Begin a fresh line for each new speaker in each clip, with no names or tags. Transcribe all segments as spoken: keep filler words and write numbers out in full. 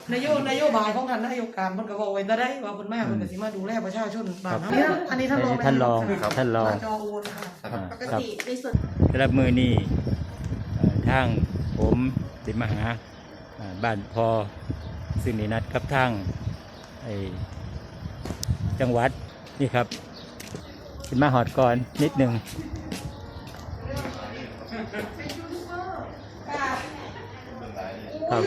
นโยนโยบายของท่านนายกการเพิ่นก็บอกไว้ได้ว่าเพิ่นมาเพิ่นก็สิมาดูแลประชาชนบ้านเฮาอันนี้ท่านรอง
ท่านรองท่านรอง
จอโอนค่ะปกติในส่วน
สำหรับมือนี้ทางผมสิมาหาบ้านพอซึ่งได้นัดกับทางจังหวัดนี่ครับขึ้นมาหอดก่อนนิดหนึ่งครับ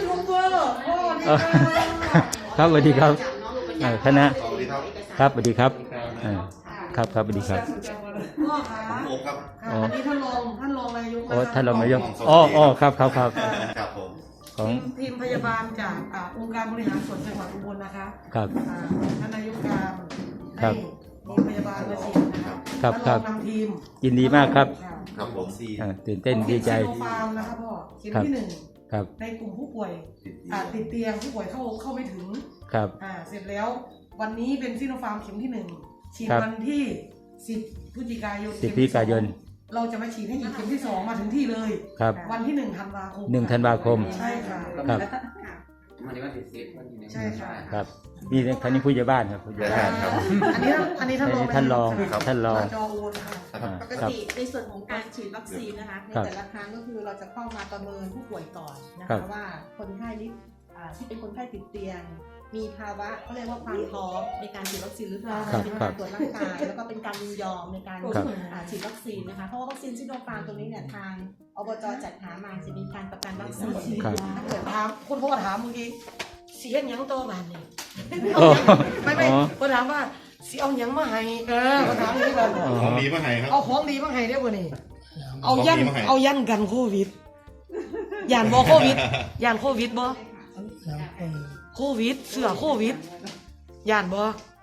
ครับสวัสดีครับคณะครับสวัสดีครับครับครับสวัสดีครับ
พ่อคะอันนี้ท่านรองท่านรองนายก
โอ้ท่านรองนายกอ๋ออ๋อครับครับครับ
ของทีมพยาบาลจากองค์การบริหารส่วนจังหวัดอุบลนะคะ
ครับ
ท่านนายกการให้ทีมพยาบาลมาฉีดนะครับ
ครับครับ
นำทีม
ยินดีมากครับ
ครับผม
ตื่นเต้นดีใจ
ฟาร์มนะครับพ่อเข็มที่หนึ่งในกลุ่มผู้ป่วยติดเตียงผู้ป่วยเข้าเข้าไม่ถึง
ครับ
อ่าเสร็จแล้ววันนี้เป็นซิโนฟาร์มเข็มที่หนึ่งฉีดวันที่สิบพฤศจิกายน
สิบพฤศจิกายน
เราจะมาฉีดให้อีกเข็มที่สองมาถึงที่เลย
ครับ
วันที่หนึ่งธันวาคม
หนึ่งธันวาคม
ใช่ค่ะ
ครับ
วันนี้วันที่สิบวันที่หนึ่ง
ใช่ค่ะ
ครับนี่ท่านนี้ผู้ใหญ่บ้านครับผู้ใหญ่บ้านครับ
อันนี้อันนี้ท่านรอง
ท่านรองท่านรอง
จอโอนค่ะปกติในส่วนของการฉีดวัคซีนนะคะในแต่ละครั้งก็คือเราจะเข้ามาประเมินผู้ป่วยก่อนนะคะว่าคนไข้นี้ที่เป็นคนไข้ติดเตียงมีภาวะเขาเรียกว่าความพร้อมในการฉีดวัคซีนหรือเปล่าเป็นการตรวจร่างกายแล้วก็เป็นการยินยอมในการฉีดวัคซีนนะคะเพราะว่าวัคซีนซิโนฟาร์มตัวนี้เนี่ยทางอบจ.จัดหามาจะมีการประกันวัคซีนถ้าเกิดถามคุณพ่อถามเมื่อกี้สีเห็นยังโตบ้านนี่ไม่ไม่พ่อถามว่าสีเอายังมาให้เออพ่อถามอย่างนี้กัน
ของดีมาให้ครับ
เอาของดีมาให้ได้ป่ะนี่เอายันเอายันกันโควิดยานบ่โควิดยานโควิดบ่โควิดเสือโควิดย่านบ่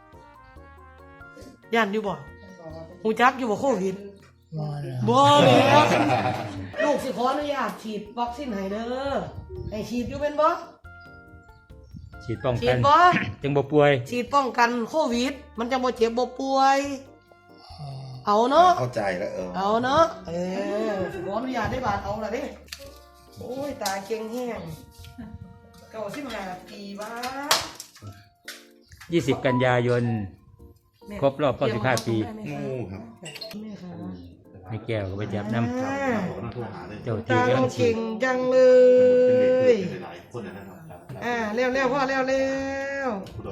ย่านอยู่บ่หูจักอยู่บ่โควิดบ่เลยลูกสิขออนุญาตฉีดวัคซีนให้เด้อให้ฉีดอยู่เป็นบ่
ฉีดป้องกัน
ฉีดบ่
จังบ่ป่วย
ฉีดป้องกันโควิดมันจังบ่เจ็บบ่ป่วยเอาเนาะ
เข้าใจแล้วเออ
เอาเนาะเออขออนุญาตได้บาดเอาล่ะเด้โอ้ยตาเก่งแฮงเก้าสิบห้าปีบ้า
ยี่สิบกันยายนครบรอบเก้าสิบห้าปี
งูครับ
ไม่แก้วก็ไปจับน้ำเจ้าที่
เก่งจังเลยอ่าเร็วเร็วพ่อเร็วเร็ว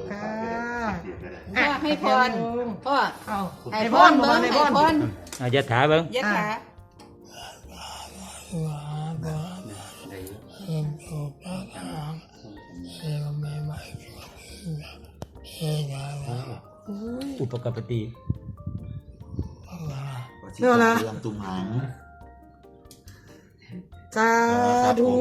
พ่อให้พรพ่อ
เอาให้พรเบิ้งให้พร
อายัดขาเบิ้ง
ยัดขา
อุปกปติ
เรื่องนะ
ตุ่มหาง
สาธุ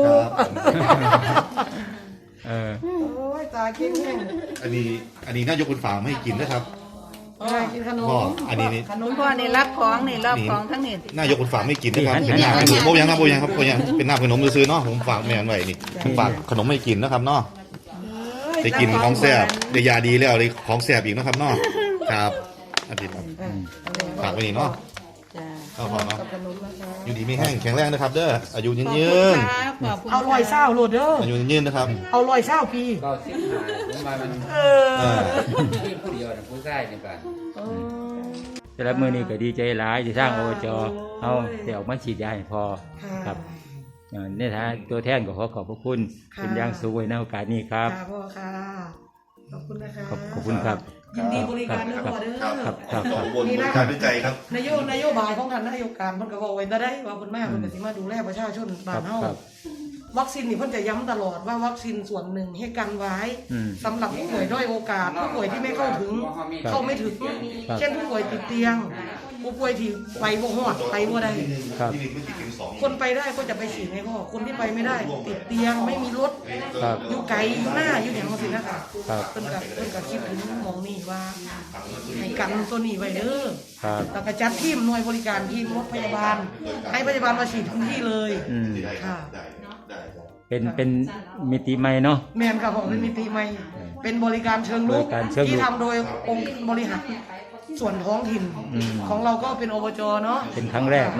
เออ
โอ้ยตาเก่งแห้ง
อันนี้อันนี้น่ายกคุณฝากให้กินนะครับ
กินขนม
อันนี้
ขนมพ่อนี่รับของนี่รับของทั้งนี้
น่ายกคุณฝากให้กินนะครับเป็นหน้าขนมโบยังนะโบยังครับโบยังเป็นหน้าขนมซื้อเนาะผมฝากแม่ไว้นี่ฝากขนมให้กินนะครับเนาะได้กินของแซ่บได้ยาดีแล้วได้ของแซ่บอีกนะครับเนาะครับอาทิตย์ครับฝากไว้นี่เนาะเอาพอเนาะอยู่ดีไม่แห้งแข็งแรงนะครับเด้ออายุยืนยืน
เอาลอยเศร้าโหลดเด้อ
อายุยืนนะครับ
เอาลอยเศร้าปี
ก็สิบห้าผมมามัน
เออ
ผู้เดียวนะผู้ชายในบ้าน
แต่ละมือนี้ก็ดีใจหลายที่สร้างโอจอเอาเดี๋ยวมาฉีดยาให้พอครับเนี่ยฮะตัวแทนก็ขอขอบพระคุณเป็นอย่างสูงในโอกาสนี้ครับ
พ่อค่ะขอบคุณนะคะ
ขอบคุณครับ
ยินดีบริการเด้อพ่อเด้อ
ครับครับครับ
บริการด้วยใจครับ
นโยนโยบายของท่านนายกการเพิ่นก็บอกไว้ได้ว่าเพิ่นมาเพิ่นก็สิมาดูแลประชาชนบ้านเฮาวัคซีนนี่เพิ่นจะย้ำตลอดว่าวัคซีนส่วนหนึ่งให้กันไว้สำหรับผู้ป่วยด้อยโอกาสผู้ป่วยที่ไม่เข้าถึงเข้าไม่ถึงเช่นผู้ป่วยติดเตียงผู้ป่วยที่ไปบ่ฮอดไปบ่ได้คนไปได้ก็จะไปฉีดให้พ่อคนที่ไปไม่ได้ติดเตียงไม่มีรถอยู่ไกลอยู่หน้าอยู่อย่างนั้นนะคะเพิ่นก็เพิ่นก็คิดถึงมองนี่ว่าให้กันตัวนี้ไว้เด้อแล้วก็จัดทีมหน่วยบริการทีมรถพยาบาลให้พยาบาลมาฉีดทุกที่เลยค่ะ
เป็นเป็นมิติใหม่เนาะ
แม่นค่ะผมเป็นมิติใหม่เป็นบริการเชิงรุกที่ทำโดยองค์บริหารส่วนท้องถิ่นของเราก็เป็นอบจ.เนาะ
เป็นครั้งแรกเนาะ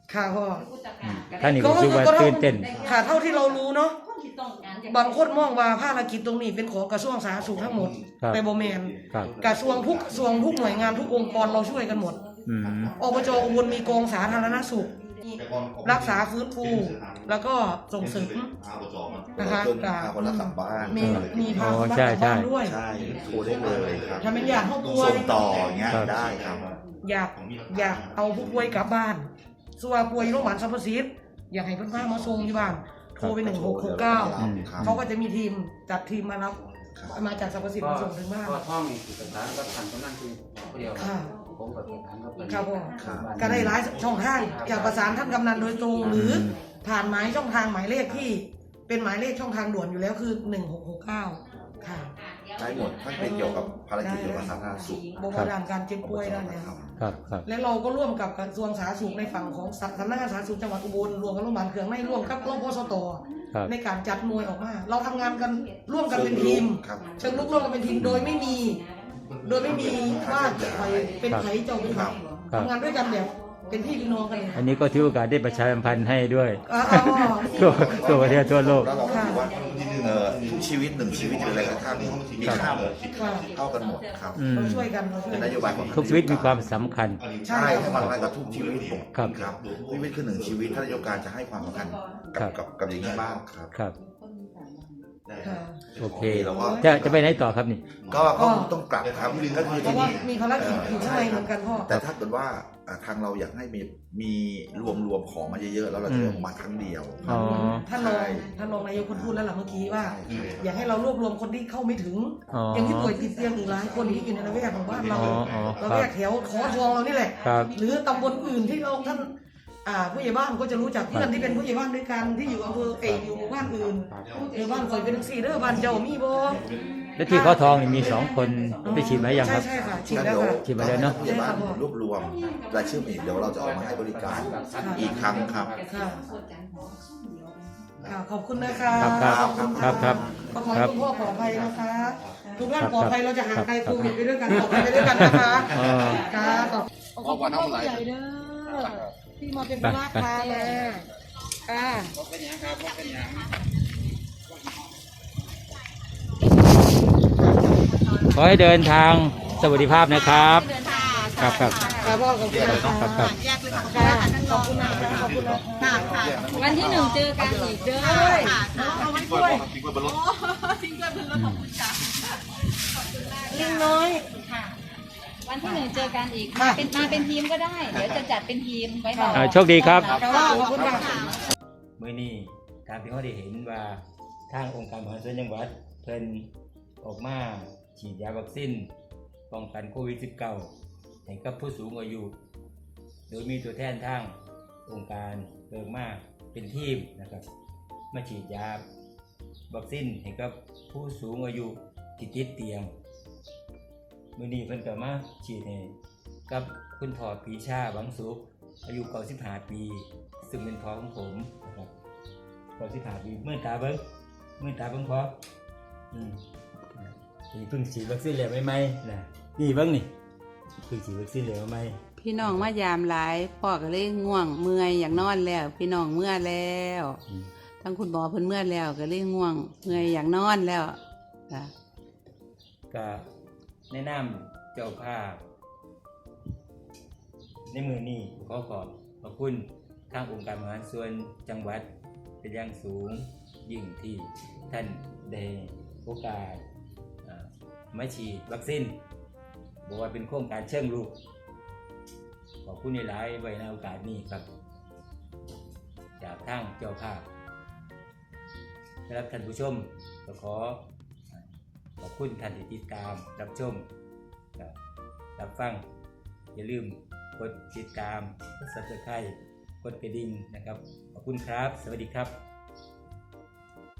ค่ะพ่อ
อืมท่านนี่ก็รู้สึกว่าตื่นเต้น
ค่ะเท่าที่เรารู้เนาะบางคนมองว่าภารกิจตรงนี้เป็นของกระทรวงสาธารณสุขทั้งหมด
ครับ
แต่โบแมน
ครับ
กระทรวงทุกกระทรวงทุกหน่วยงานทุกองค์กรเราช่วยกันหมด
อืม
อบจอุบลมีกองสาธารณสุข รักษาฟื้นฟูแล้วก็ส่งเสริมนะคะ
จนพาคนรักกลับบ้าน
มีมีพา
อ๋อ
บ้าน
ใช่
กลับบ้าน
ใช่
ด้วย
ใช่โทรได้เลยครับ
ถ้าเป็นอยากเข้าป่วย
ส่งต่ออย่างเงี้ย
ครับ
ได้ครับ
อยากอยากเอาผู้ป่วยกลับบ้านส่วนป่วยโรงพยาบาลสรรพสิทธิ์อยากให้เพื่อนๆมาส่งที่บ้านโทรไปหนึ่งหกหกเก้า
อืมครับ
เขาก็จะมีทีมจัดทีมมารับ
ครับ
มาจากสรรพสิทธิ์
ก็
มาส่งถึงบ้าน
ก็ท่องนี่คือสถานก็ทันกำนันคือคนเดียว
ค่ะ
ผมกับสถานก็เป็น
ครับผม
ครับ
ก็ได้หลายช่องทางอยากประสานท่านกำนันโดยตรง หรือผ่านหมายช่องทางหมายเลขที่เป็นหมายเลขช่องทางด่วนอยู่แล้วคือหนึ่งหกหกเก้าค่ะ
ได้หมดถ้าเป็นเกี่ยวกับภารกิจเกี่ยวกับสาธารณสุข
บริการการเจ็บป่วยด้านเนี้ย
ครับ
ครับครับ
และเราก็ร่วมกับกระทรวงสาธารณสุขในฝั่งของสำนักงานสาธารณสุขจังหวัดอุบลรวมกับโรงพยาบาลเขืองในร่วมกับโรงพยาบาลสต
ครับ
ในการจัดหน่วยออกมา เราทำงานกันร่วมกันเป็นทีม
ครับ
เชิงลุกร่วมกันเป็นทีมโดยไม่มี โดยไม่มีว่าใครเป็นใครเจ้าเป็นใคร
ครับ
ทำงานด้วยกันแบบเป็นพี่เป็นน้องกันเลย
อันนี้ก็ถือโอกาสได้ประชาสัมพันธ์ให้ด้วย
อ๋ออ๋อ
ทั่วทั่วประเทศทั่วโลก
แล้วเราก็ถือว่าเอ่อทุกชีวิตหนึ่งชีวิตหรืออะไรก็ตามมีค่าหมด
ค่ะ
เท่ากันหมดครับ
อืม
เราช่วยกันเราช่วย
เป็น
กัน
นโยบายของ
ทุกชีวิตมีความสำคัญ
ใช่ให้ความสำคัญกับทุกชีวิตหมด
ครับ
ครับชีวิตคือหนึ่งชีวิตท่านนายกการจะให้ความสำคัญ
ครั
กับบ กับกับอย่างนี้บ้างครับ
ครับ
ค่ะ
โอเค
เราก็
จะจะไปไหนต่อครับนี่
ก็ก็ต้องกลับครับก็คือ
เพ
ที่
ราะว่า
นี่
มีภารกิจอยู่ข้างในเหมือนกันพ่อ
แต่ถ้าเกิดว่าอ่าทางเราอยากให้มีมีรวมรวมของมาเยอะๆแล้วเราจะเอามาครั้งเดียว
อ๋อ
ท่านรอง
ใช่
ท่านรองนายกคนพูดแล้วหล่ะเมื่อกี้ว่า
ใช่
อยากให้เรารวบรวมคนที่เข้าไม่ถึง
อ๋อ
อย่างที่ป่วยติดเตียงอีกหลายคนที่อยู่ในระแวกของบ้านเรา
อ๋ออ๋อครับ
ระแวกแถวขอทองเรานี่แหละ
ครับ
หรือตำบลอื่นที่เราท่านอ่าผู้ใหญ่บ้านก็จะรู้จักเพื่อนที่เป็นผู้ใหญ่บ้านด้วยกันที่อยู่อำเภอเอยอยู่หมู่บ้านอื่นหรือบ้านคอยเป็นจังซี่เด้อบ้านเจ้ามีบ่
และที่เขาทองนี่มีสองคนได้ฉีดไหมยังครับ
ใช่ใช่ค่ะฉีด
งั้น
แล้ว
เดี๋ยว
ค่ะ
ฉีดมาแล้วเนอะ
ผู้ใหญ่บ้านรวบรวมรายชื่อมาอีกเดี๋ยวเราจะเอามาให้บริการอีกครั้งครับ
ค่ะค่ะขอบคุณนะคะ
ครับครับครับครับ
ขอให้
ครับ
คุณพ่อปลอดภัยนะคะ ทุกท่าน
ครับ
ปลอดภัยเราจะห่างไกล
ครับ
โควิดไปด้วยกันปลอดภัยไปด้วยกันนะคะ
เออ
ค่ะขอบคุณพ่อผู้ใหญ่เด้อที่มาเป็นพระพามาค่ะ
ขอให้เดินทางสวัสดิภาพนะครับ ครับครับ
ค่ะพ่อขอบคุณนะคะ
ครับครับ
ค่ะขอบคุณนะคะขอบคุณนะคะค่ะ
วันที่หนึ่งเจอกันอีกเด้อ
เอาไว้ด้วยลิงน้อย
วันที่หนึ่งเจอกันอีก
ค่ะ
มาเป็นมาเป็นทีมก็ได้ เดี๋ยวจะจัดเป็นทีมไว้รอ
อ่าโชคดีครับ
ค่ะขอบคุณค่ะ
มื่อนี้ตามที่เขาได้เห็นว่าทางองค์การบริหารส่วนจังหวัดเพิ่นออกมาฉีดยาวัคซีนป้องกันโควิด สิบเก้า ให้กับผู้สูงอายุ โดยมีตัวแทนทางองค์การเพิ่มมาเป็นทีมนะครับมาฉีดยาวัคซีนให้กับผู้สูงอายุที่ติดเตียงมื่อนี้เพิ่นก็มาฉีดให้กับคุณพ่อปรีชาบังสุขอายุเก้าสิบห้าปีซึ่งเป็นพ่อของผมนะครับเก้าสิบห้าปีเมื่อตาเบิ้งเมื่อตาเบิ้งพออืมนี่เพิ่งฉีดวัคซีนแล้วไหมๆนะนี่เบิ้งนี่เพิ่งฉีดวัคซีนแล้วไหม
พี่น้องมายามหลายพ่อก็เลยง่วงเมื่อยอยากนอนแล้ว พี่น้องเมื่อแล้ว
อืม
ทั้งคุณหมอเพิ่นเมื่อแล้วก็เลยง่วงเมื่อยอยากนอนแล้วจ้ะ
ก็แนะนำเจ้าภาพในมือนี้ขอขอบขอบคุณทางองค์การบริหารส่วนจังหวัดเป็นอย่างสูงยิ่งที่ท่านได้โอกาสอ่ามาฉีดวัคซีนบอกว่าเป็นโครงการเชิงรุกขอบคุณหลายๆไว้ในโอกาสนี้ครับจากทางเจ้าภาพสำหรับท่านผู้ชมก็ขอขอบคุณท่านที่ติดตามรับชมครับรับฟังอย่าลืมกดติดตามกด ซับสไครบ์ กดกระดิ่งนะครับขอบคุณครับสวัสดีครับ